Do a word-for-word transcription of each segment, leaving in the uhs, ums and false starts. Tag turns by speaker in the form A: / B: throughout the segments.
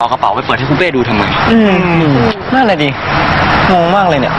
A: เอากระเป๋าไปเปิดให้คุณเป้ดูทำไม
B: อืมนั่นแหละดิงงมากเลยเนี่ย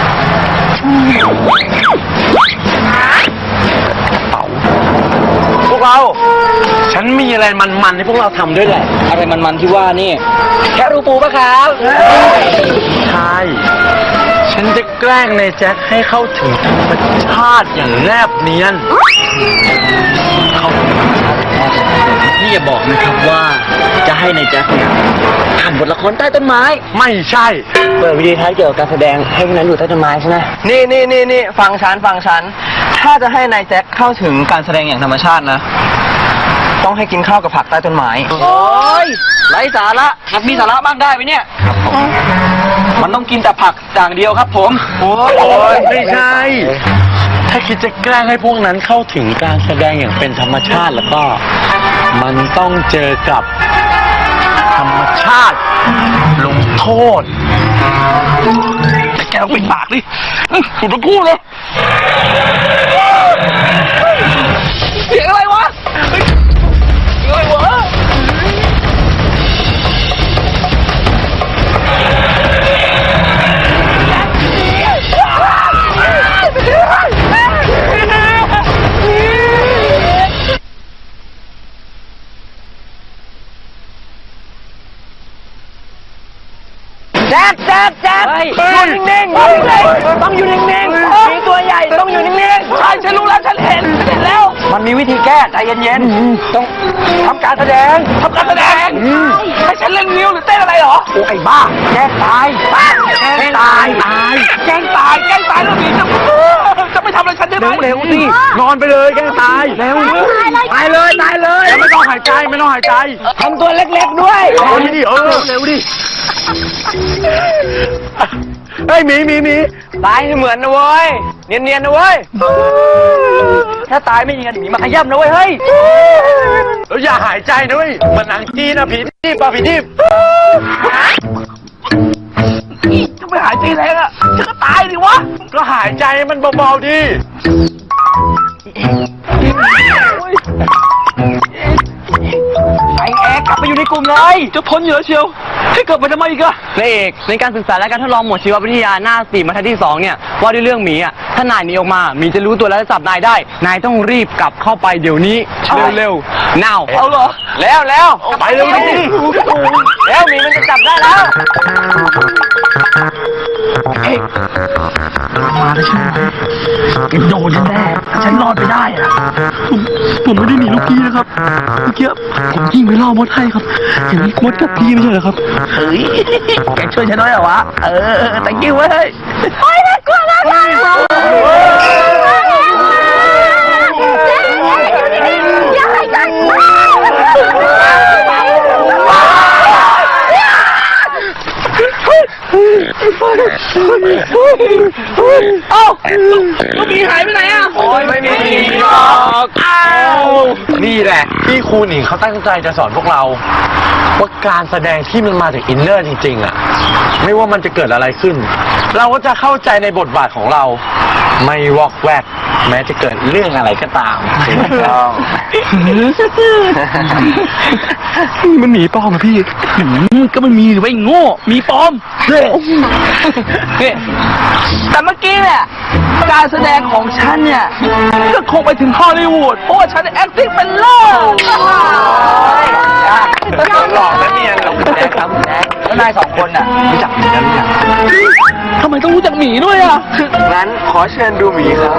A: เป๋า
B: พวกเราฉันมีอะไรมันๆให้พวกเราทำด้วยแหละ
A: อะไรมันๆที่ว่านี่แค่รูปูปะครับ
B: ใช่ฉันจะแกล้งในแจ็คให้เข้าถึงธรรมชาติอย่างแนบเนียนเข้าถึงธรรมชาติแนบเนียน
A: นี่อย่าบอกนะครับว่าจะให้ในแจ็คเนี่ยทำบทละครใต้ต้นไม้
B: ไม่ใช่
A: เปิดวิดีโอท้ายเกี่ยวกับการแสดงให้พวกนั้นอยู่ใต้ต้นไม้ใช่ไหม
B: นี่นี่นี่นี่ฟังฉันฟังฉันถ้าจะให้นายแจ็คเข้าถึงการแสดงอย่างธรรมชาตินะต้องให้กินข้าวกับผักใต้ต้นไม้
A: โอ้ยไร้สาระหัดมีสาระบ้างได้ไหมเนี่ยมันต้องกินแต่ผักอย่างเดียวครับผม
B: โอ้ยไม่ใช่ถ้าคิดจะแกล้งให้พวกนั้นเข้าถึงการแสดงอย่างเป็นธรรมชาติแล้วก็มันต้องเจอกับธรรมชาติลงโทษ
A: แกต้องปิดปากดิสุดทั้งคู่เลยเสียงอะไรวะเสียงอะไรวะ
C: แจ๊บแจ๊บแจ๊บอยู่นิ่งๆต้องอยู่นิ่งๆมีตัวใหญ่ต้องอยู่นิ่งๆ
A: ใช่ฉันรู้แล้วฉันเห็นฉันเห็นแล้ว
C: มันมีวิธีแก้ใจเย็นๆต้องทำการแสดง
A: ทำการแสดงให้ฉันเล่นนิ้วหรือเต้นอะไรเหรอ
C: โอ้ไอ้บ้าแกล้งตาย
A: แกล้งตายตายแกล้งตายแกล้งตายแล้วนี่จะจะไม่ทำอะไรฉันได้ไหม
B: เร็วๆสินอนไปเลยแกล้งตาย
C: เร็วตายเลยตายเลย
B: ไม่ต้องหายใจไม่ต้องหายใจ
C: ทำตัวเล็กๆด้วย
B: นอนดิเออเร็วดิเฮ้ยหมีหมีหมี
C: ตายเหมือนนะเว้ยเนียนๆนะเว้ยถ้าตายไม่ยิงกันหนีมาขย้ำนะเว้ยเฮ้ย
B: แล้วอย่าหายใจนะเว้ยมันหนังจีนนะผีทิพย์ป่ะผีทิพย์
A: จะไม่หายใจแรงอ่ะจะก็ตายดิวะ
B: ก็หายใจมันเบาๆดิ
A: ไอแอกกลับไปอยู่ในกลุ่มเลยจะทนอยู่แล้วเชียวให้เกิดไปทำไมอีกอะ
C: นายเอกในการศึกษาและการทดลองหมวดชีววิทยาหน้าสี่บรรทัดที่สองเนี่ยว่าด้วยเรื่องหมีอ่ะถ้านายหนีออกมาหมีจะรู้ตัวแล้วจะจับนายได้นายต้องรีบกลับเข้าไปเดี๋ยวนี้เร็วๆ now
A: เอาเหรอ
C: แล้วแล้ว
B: ไปเร็วดิ
C: แล้วหมีมันจะจับได้แล้ว
A: เฮ้ยมาแล้วใช่ไหมโดนแน่ฉันรอดไปได้อะผมผมไม่ได้หนีลูกพี่นะครับเมื่อกี้ผมยิงไปล่อมดให้ครับอย่างนี้มดกับพี่ไม่ใช่เหรอครับเฮ้ยแกช่วยฉันหน่อยเหรอวะเออแต่กิ้วเว้ย
C: โอ้ยน่ากลัวน่ากลัวอย่าให้ใจ
A: เอ้าลูกหมีหายไปไหนอ่ะ
B: โอ้ยไม่มีหรอกอ้าวนี่แหละที่ครูหนิงเขาตั้งใจจะสอนพวกเราว่าการแสดงที่มันมาจากอินเนอร์จริงๆอ่ะไม่ว่ามันจะเกิดอะไรขึ้นเราก็จะเข้าใจในบทบาทของเราไม่วอกแวกแม้จะเกิดเรื่องอะไรก็ตามต้อง
A: นี่มันหมีปลอมอะพี่ก็มันมีหรือว่าไอ้โง่หมีปลอมแต่เมื่อกี้เนี่ยการแสดงของฉันเนี่ยก็คงไปถึงฮอลลีวูดเพราะว่าฉัน acting เป็นเลิศ
B: หลอกแล้วเนี่ยเราแจ๊คครับแจ๊ค
C: แล้วนายสองคนน่ะรู้จักหมีกันหรือยัง
A: ทำไมต้องรู้จักหมีด้วยอ่ะ
B: งั้นขอเชิญดูหมีครับ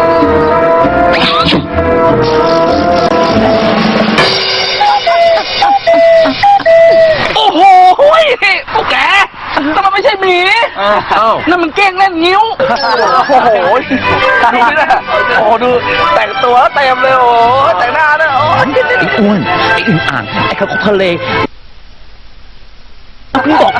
A: โอ้โหพวกแกแต่มันไม่ใช่หมีนั่นมันเก้งเล่นงิ้ว
B: โอ้โห
A: ดูนี่นะโอ้ดูแต่งตัวเต็มเลยโอ้แต่งหน้าด้วยโอ้ไอ้อ้วนไอ้อึ่งอ่างไอ้ข้าวทะเลคุณบอก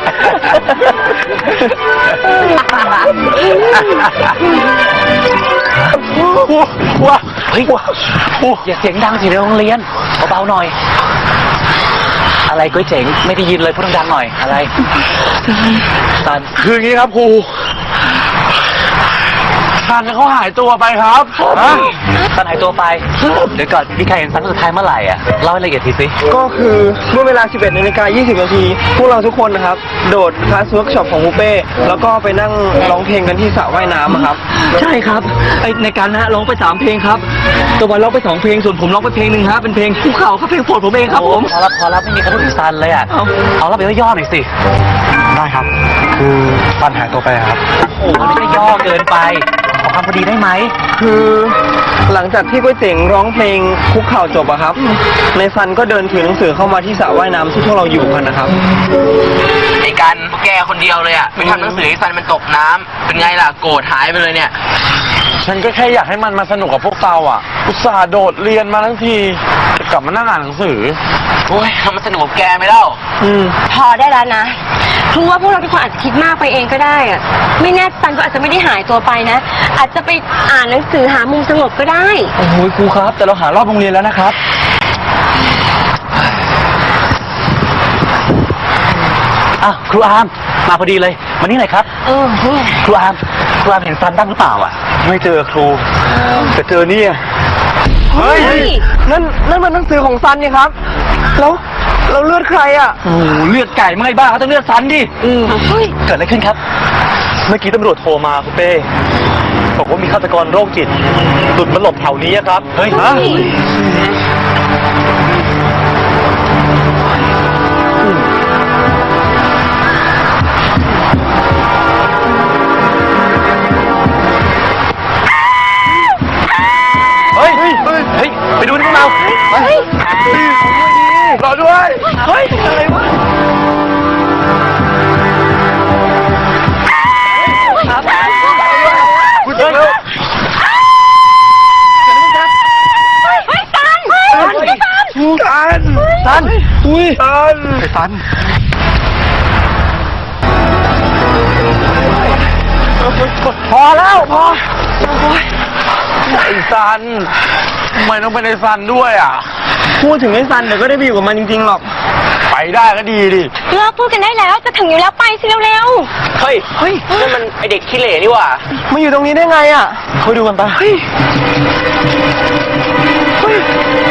B: ว้า
C: เฮ้ยอย่าเสียงดังสิในโรงเรียนเบาๆหน่อยอะไรก้อยเจ๋งไม่ได้ยินเลยพูดดังๆหน่อยอะไร
B: ตันคืออย่างนี้ครับครูทันเขาหายตัวไปครับฮะ
C: ซันหายตัวไปเดี๋ยวก่อนมีใครเห็นซันสุดท้ายเมื่อไหร่อ่ะเล่าให้ละเอียดทีสิ
D: ก็คือเมื่อเวลา สิบเอ็ดนาฬิกายี่สิบนาทีพวกเราทุกคนนะครับ โดดคลาสเวิร์กช็อปของปูเป้แล้วก็ไปนั่งร้องเพลงกันที่สระว่ายน้ำอะครับ
A: ใช่ครับไอในการนะร้องไปสามเพลงครับตะวันร้องไปสองเพลงส่วนผมร้องไปเพลงหนึ่งฮะเป็นเพลงภูเขาครับเพลงโปรดผมเองครับผม
C: พอแล้วพอแล้วไม่มีใครพูดถึงซันเลยอ่ะ
A: เอา
C: เอาแล้วไปย่อๆหน่อยสิ
B: ได้ครับ คือซันหายตัวไปครับ
C: โอ้มันไม่ได้ย่อเกินไปขอความพอดีได้ไหม
D: คือหลังจากที่ก๋วยเจ๋งร้องเพลงคุกเข่าจบอะครับ ในซันก็เดินถือหนังสือเข้ามาที่สระว่ายน้ำที่พวกเราอยู่กันนะครับ
E: ไอ้กันแกคนเดียวเลยอ่ะไปทำหนังสือให้ซันมันตกน้ำเป็นไงล่ะโกรธหายไปเลยเนี่ย
B: ฉันก็แค่อยากให้มันมาสนุกกับพวกเราอ่ะ อุตส่าห์โดดเรียนมาทั้งทีจะกลับมานั่งอ่านหนังสือ
E: โอ้ยทำมันสนุกกับแกไหมเล่า
D: อืม
F: พอได้แล้วนะเพราะว่าพวกเราทุกคนอาจจะคิดมากไปเองก็ได้อะไม่แน่ซันก็อาจจะไม่ได้หายตัวไปนะ อาจจะไปอ่านหนังสือหามุมสงบก็ได้
A: โอ้โหครูครับแต่เราหารอบโรงเรียนแล้วนะครับ
C: อ้าวครูอาร์มมาพอดีเลยมานี่หน่อยครับ
F: เออเนี่ย
C: ครูอาร์มครูอาร์มเห็นซันบ้างหรือเปล่าอ่ะ
B: ไม่เจอครูแต่เจอเนี่ย
D: เฮ้ย นั่นนั่นมันหนังสือของซันนี่ครับ แล้วเราเลือดใครอะ
A: โอ้โหเลือดไก่ไม่บ้าเขาต้องเลือดซันดิ
D: อืม
F: เฮ้ย
C: เกิดอะไรขึ้นครับ
B: เมื่อกี้ตำรวจโทรมาคุณเป้บอกว่ามีฆาตกรโรคจิตหลุดมาหลบแถวนี้อะครับ เฮ้ยฮะ
C: เฮ้ย เฮ้ย เฮ้ย ไปดูนี่พวกเราไป
B: รอด้วย
A: เฮ้ยอะไรวะ
B: คุณเจอแล้ว
F: เฮ้ยซัน
B: ซันซันอุ้ยซันไอ้ซันพอแล้วพอไอ้ซันทำไมต้องเป็นไอ้ซันด้วยอ่ะ
D: พูดถึงไอ้ซันเดี๋ยวก็ได้ไปอยู่กับมันจริงๆหรอก
B: ไปได้ก็ดีดิ
F: เลิกพูดกันได้แล้วจะถึงอยู่แล้วไปสิเร็ว
E: เฮ้ยเฮ้ยนั่นมันไอเด็กขี้เหร่นี่หว่า
D: มาอยู่ตรงนี้ได้ไงอะ
B: คุยดูกันปะ
D: เฮ้ย เฮ้ย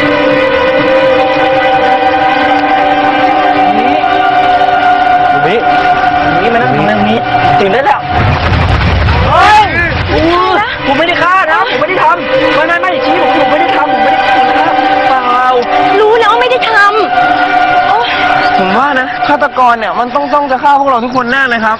B: ดูนี่
A: นี่มานั่งตรงนี้ตื่นได้แล้วเฮ้ยโอ้ผมไม่ได้ฆ่านะผมไม่ได้ทำไม่ไม่ไม่ชี้ผมผมไม่ได้ทำผมไม่ได้ทำนะเปล่า
F: ๆรู้แล้วว่าไม่ได้ทำโอ๊ย
D: ผมว่านะฆาตกรเนี่ยมันต้องต้องจะฆ่าพวกเราทุกคนแน่เลยครับ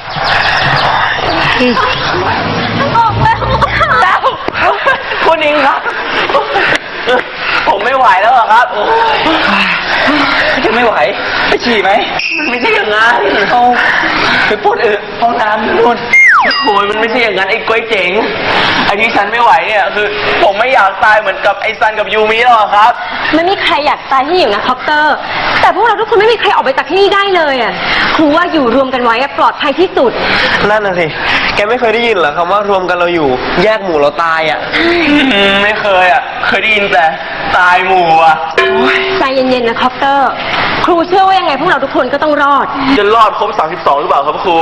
F: ออกแล้ว
C: คุณอิงครับ ผมไม่ไหวแล้วอะครับจะไม่ไหวไปฉี่ไหมมันไม่ใช่อย่างนั้นเอาไปพูดเออห้องน้ำนู่นโอ้ยมันไม่ใช่อย่างนั้นไอ้กล้วยเจ๋งไอ้ที่ฉันไม่ไหวเนี่ยคือ ผมไม่อยากตายเหมือนกับไอ้ซันกับยูมิหรอกครับ
F: ไม่มีใครอยากตายที่อยู่นะคอปเตอร์ แต่พวกเราทุกคนไม่มีใครออกไปจากที่นี่ได้เลยอ่ะครูว่าอยู่รวมกันไว้อะปลอดภัยที่สุด
D: นั่นน่ะสิ แกไม่เคยได้ยินเหรอคำว่ารวมกันเราอยู่ แยกหมู่เราตายอ่ะ
C: อืมไม่เคยอ่ะ เคยได้ยินแต่ตายหมู่อ่ะ
F: ใจเย็นๆนะคอปเตอร์ ครูเชื่อว่ายังไงพวกเราทุกคนก็ต้องรอด
C: จะรอดครบสามสิบสองหรือเปล่าครับครู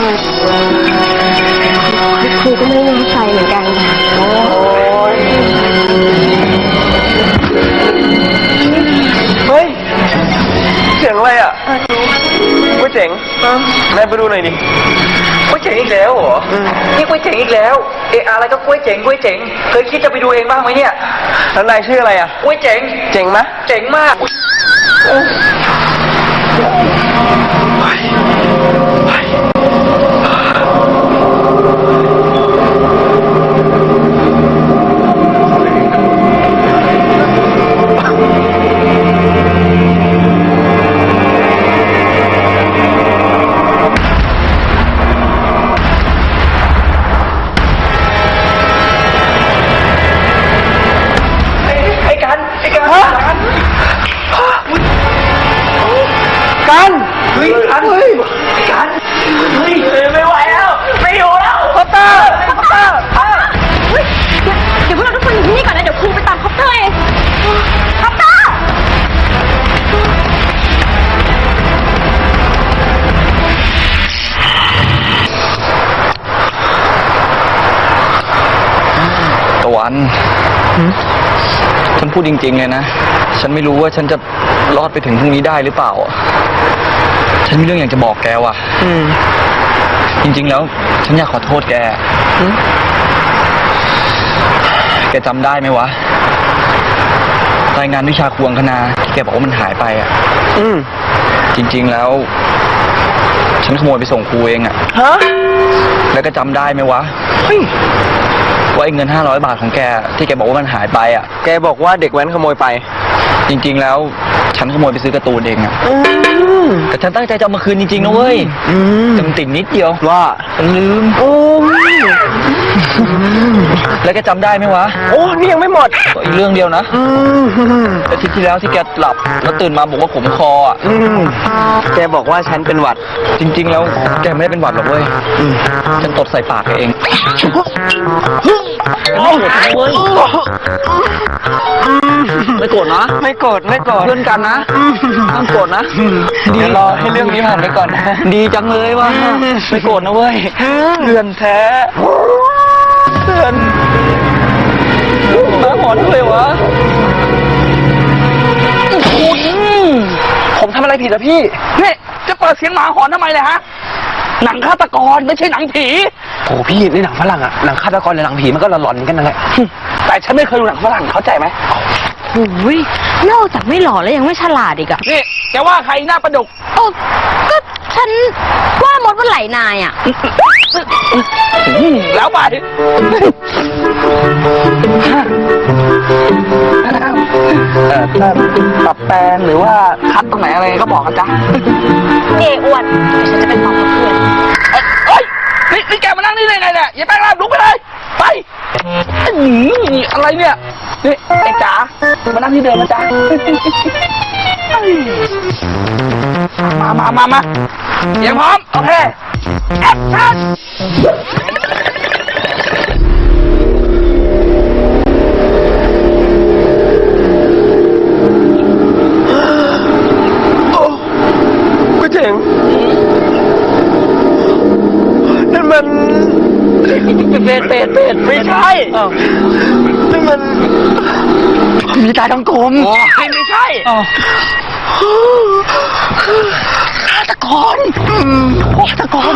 F: ครูก็ไม่แน่ใจเหมือนกัน
D: เฮ้ย เสียงอะไรอ่ะก๋วยเจ๋งนายไปดูหน่อยดิ
G: กล้วยเจ๋งอีกแล้วเหรอนี่กล้วยเจ๋งอีกแล้ว เอะอะไรก็กล้วยเจ๋งกล้วยเจ๋ง เคยคิดจะไปดูเองบ้างไหมเนี่ย
D: แล้วนายชื่ออะไรอ่ะ
G: กล้วยเจ๋ง
D: เจ๋งไหม
G: เจ๋งมากไอ้กันไอ้กันกัน
D: กัน
G: เฮ้ยกันเฮ้ยไอ้กันเฮ้ยไม่ไหวแล้วไม่อยู่แล้ว
D: คอปเตอร์คอปเตอร์
F: เฮ้ยเดี๋ยวเดี๋ยวพวกเราทุกคนอยู่ที่นี่ก่อนนะ เดี๋ยวครูไปตามคอปเตอร์เองคอปเตอร์
G: ตะวันพูดจริงๆเลยนะ ฉันไม่รู้ว่าฉันจะรอดไปถึงพรุ่งนี้ได้หรือเปล่า ฉันมีเรื่องอยากจะบอกแกว่ะ
D: อืม
G: จริงๆแล้ว ฉันอยากขอโทษแก แกจำได้ไหมวะ รายงานวิชาควงคณาที่แกบอกว่ามันหายไปอ่ะ
D: อืม
G: จริงๆแล้ว ฉันขโมยไปส่งครูเองอ่ะ
D: ฮะ
G: แล้วก็จำได้ไหมวะ
D: เฮ้ย
G: ว่าไอ้เงินห้าร้อยบาทของแกที่แกบอกว่ามันหายไปอ่ะ
D: แกบอกว่าเด็กแว้นขโมยไป
G: จริงๆแล้ว ฉันขโมยไปซื้อการ์ตูนเองอ่ะ
D: อืม
G: แต่ฉันตั้งใจจะเอามาคืนจริงๆนะเว้ย
D: อืม
G: แต่มันติดนิดเดียว
D: ว่า
G: ลืม
D: โอ้ย
G: แล้วแกจำได้ไหมวะ
D: โอ้นี่ยังไม่หมด
G: ก็อีกเรื่องเดียวนะ
D: อืม
G: อาทิตย์ที่แล้วที่แกหลับแล้วตื่นมาบอกว่าขมคออ่ะ
D: อืม แกบอกว่าฉันเป็นหวัด
G: จริงๆแล้วแกไม่ได้เป็นหวัดหรอกเว้ย ฉันตดใส่ปากแกเองไม่โกรธนะ
D: ไม่โกรธไม่โกรธ
G: เพื่อนกันนะห้ามโกรธนะ ดีรอให้เรื่องนี้ผ่านไปก่อนนะ ดีจังเลยว่ะไม่โกรธนะเว้ยเพื่อนแท้เพื่อนมาหอนเลยวะ
C: ผมทำอะไรผิดอะพี่
G: นี่จะเปิดเสียงหมาหอนทำไมเลยฮะ หนังฆาตกรไม่ใช่หนังผี
C: โอ้พี่ในหนังฝรั่งอะหนังฆาตกรหรือหนังผีมันก็หลอนๆกันนั่นแหละ
G: แต่ฉันไม่เคยดูหนังฝรั่งเข้าใจไหม
F: โอ้ยนอกจากไม่หล่อแล้วยังไม่ฉลาดอีกอะ
G: นี่แกว่าใครหน้าประดุก
F: โอ้ก็ฉันว่ามดว่าไหลนายอะ
G: แล้วไปเอ่อถ้าปรับแปลงหรือว่าคัดตรงไหนอะไรก็บอกกันจ้ะ
F: เออ้วนเดี๋ยวฉันจะไปบอกกับเพื่อน
G: เอ้ยนี่นี่แกมานั่งนี่ได้ไงเนี่ยอย่าแป้งร่างลุกไปเลยไปอื้อหืออะไรเนี่ยนี่ไอ้จ๋ามานั่งที่เดิมนะจ๊ะมามามามาเสียงพร้อมโอเคแอคชั่น
D: ก็เจ๋ง นั่นมัน
G: เป็ดเป็ดเป็ดไม่ใช่
D: นั่นมัน
G: มีตาทั้งกลมไม่ใช่ฆาตกรฆาตกร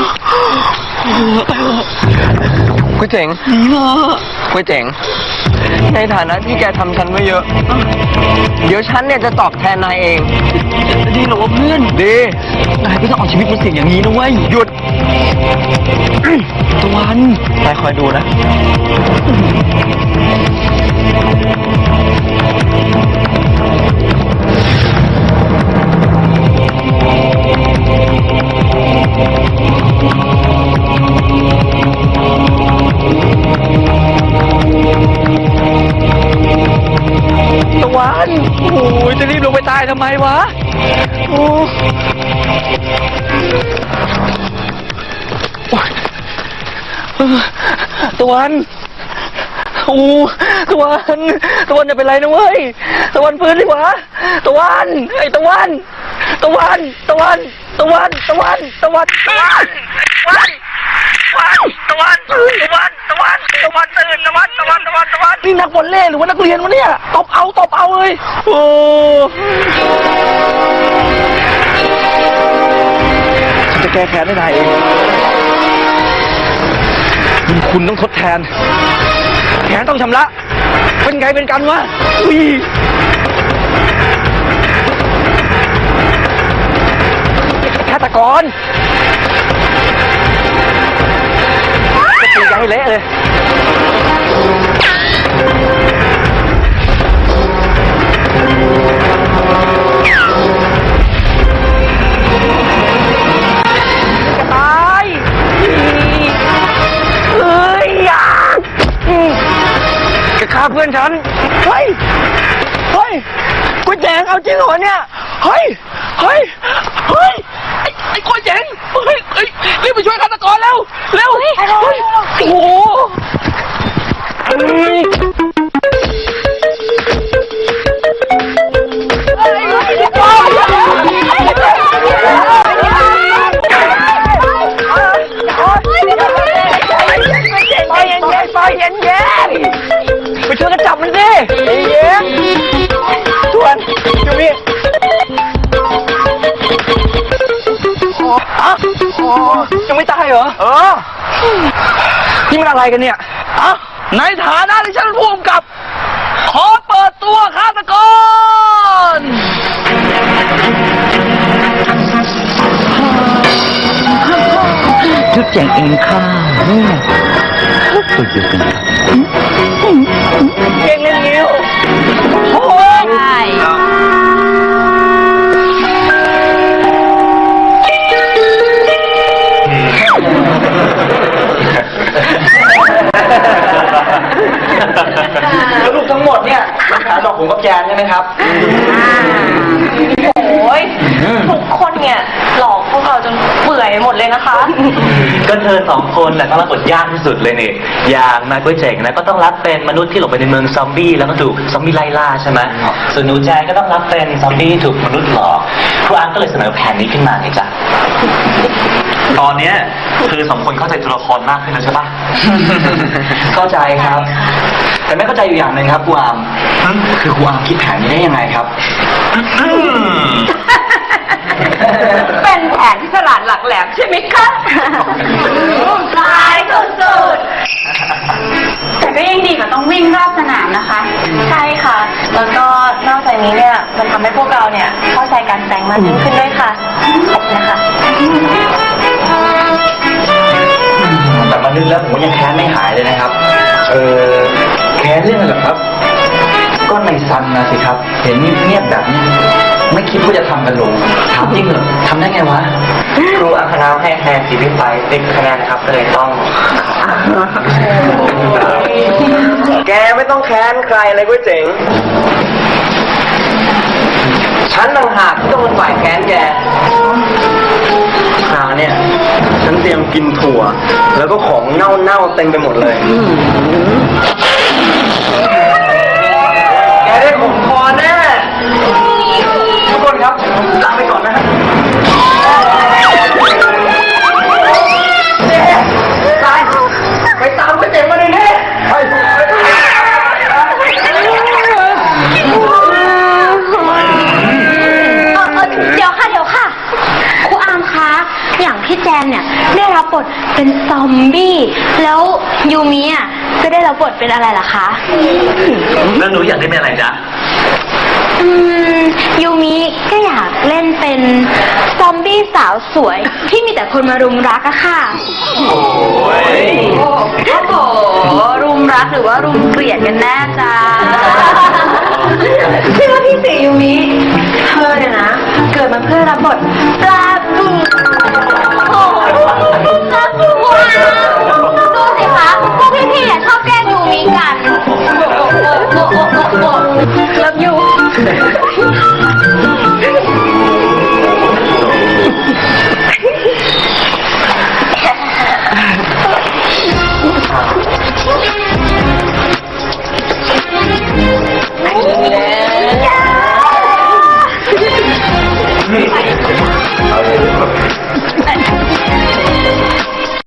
D: ก๋วยเจ๋ง
G: นี่เหรอ
D: ก๋วยเจ๋ง ในฐานะที่แกทำฉันมาเยอะ เดี๋ยวฉันเนี่ยจะตอบแทนนายเอง
G: ดีเหรอวะเพื่อนดีนายก็ต้องเอาชีวิตมาเสี่ยงอย่างนี้นะเว้ยหยุดตะวันนายคอยดูนะตะวันโอ้ยจะรีบลงไปตายทำไมวะโอ้ตะวันโอ้ตะวันตะวันจะเป็นไรนะเว้ยตะวันฟื้นดิวะตะวันไอ้ตะวันตะวันตะวันตะวันตะวันตะวันตะวันตะวันตะวันตะวันตะวันตะวันตื่นตะวันตะวันตะวันตะวันนี่นักบอลเล่หรือว่านักเรียนวะเนี่ยตบเอาตบเอาเลยโอ้ฉันจะแก้แค้นให้นายเองบุญคุณต้องทดแทนแค้นต้องชำระเป็นไงเป็นกันวะอุ้ยฆาตกรจะตีกันให้เละเลยจะตายเฮ้ยอย่าจะฆ่าเพื่อนฉันเฮ้ยเฮ้ยกูแจงเอาจริงเหรอเนี่ยเฮ้ยเฮ้ยเฮ้ยไอ้ไอ้กล้วยเจ๋งเฮ้ยเฮ้ยรีบไปช่วยฆาตกรแล้วเร็วเฮ้ยโอ้โหเฮ้ยไปเย็นๆไปเย็นๆไปช่วยกันจับมันดิเย็นอะอ๋อยังไม่ตายเหรอ เออ นี่มันอะไรกันเนี่ยอะในฐานะที่ฉันเป็นผู้กำกับ ขอเปิดตัวฆาตกรชุดแจงเองค่ะตัวเดียวกันเก่งเล่นนิ้วโอ้ยใช่แล้วลูกทั้งหมดเนี่ยเป็นขาดอกผมกับแจนใช่ไหมครับ
F: โอ้ยทุกคนเนี่ยหลอกพวกเราจนเปื่อยหมดเลยนะคะ
C: ก็เธอสองคนแหละต้องรับบทยากที่สุดเลยนี่อย่างนายก๋วยเจ๋งนะก็ต้องรับเป็นมนุษย์ที่หลบไปในเมืองซอมบี้แล้วก็ถูกซอมบี้ไล่ล่าใช่ไหมส่วนหนูแจนก็ต้องรับเป็นซอมบี้ถูกมนุษย์หลอกครูอาร์มก็เลยเสนอแผนนี้ขึ้นมาไงจ๊ะตอนเนี้ยเธอสองคนเข้าใจตัวละครมากขึ้นแล้วใช่ปะ เข้าใจครับ แต่ไม่เข้าใจอยู่อย่างหนึ่งครับครูอาร์มคือครูอาร์มคิดแผนนี้ได้ยังไงครับ
F: เป็นแผนที่ฉลาดหลักแหลมใช่ไหมคะลายสุดๆแต่ก็ยังดีกว่าต้องวิ่งรอบสนามนะคะ ใช่ค่ะ แล้วก็นอกจากนี้เนี่ยมันทำให้พวกเราเนี่ยเข้าใจการแสดงมากยิ่งขึ้นด้วยค่ะขอบคุณนะคะ
C: แต่มานึกแล้วผมก็ยังแค้นไม่หายเลยนะครับ เออแค้นเรื่องอะไรเหรอครับ ก็ในซันนะสิครับ เห็นเงียบแบบนี้ไม่คิดว่าจะทำกันลงถามจริงเหรอทำได้ไงวะครูอังคณาให้คะแนนสีพิไปติดคะแนนนะครับก็เลยต้อง
D: แกไม่ต้องแค้นใครเลยก๋วยเจ๋ง ฉันต่างหากที่ต้องเป็นฝ่ายแค้นแกคราวเนี่ยฉันเตรียมกินถั่ว แล้วก็ของเน่าๆเต็มไปหมดเลย แกได้ขมคอแน่ทุกคนครับลาไปก่อนนะฮะตายไปตามก๋วยเจ๋งมาเลยเนี่ยไปไป
F: เดี๋ยวค่ะเดี๋ยวค่ะครูอาร์มคะอย่างพี่แจนเนี่ยได้รับบทเป็นซอมบี้แล้วยูมิอ่ะจะได้รับบทเป็นอะไรล่ะคะ
C: แล้วหนูอยากได้เป็นอะไรจ๊ะ
F: อืมยูมิก็อยากเล่นเป็นซอมบี้สาวสวยที่มีแต่คนมารุมรักอะค่ะโอ้ยโอ้โหรุมรักหรือว่ารุมเกลียดกันแน่จ้าใช่ว่าพี่สียูมิเธอเนี่ยนะเกิดมาเพื่อรับบทปลาบูโอ้โหปลาบูว้าวดูสิคะพวกพี่ๆชอบแกล้งยูมิกันโอ้โหโอ้โหโอ้โหโอ้โหเลิฟยู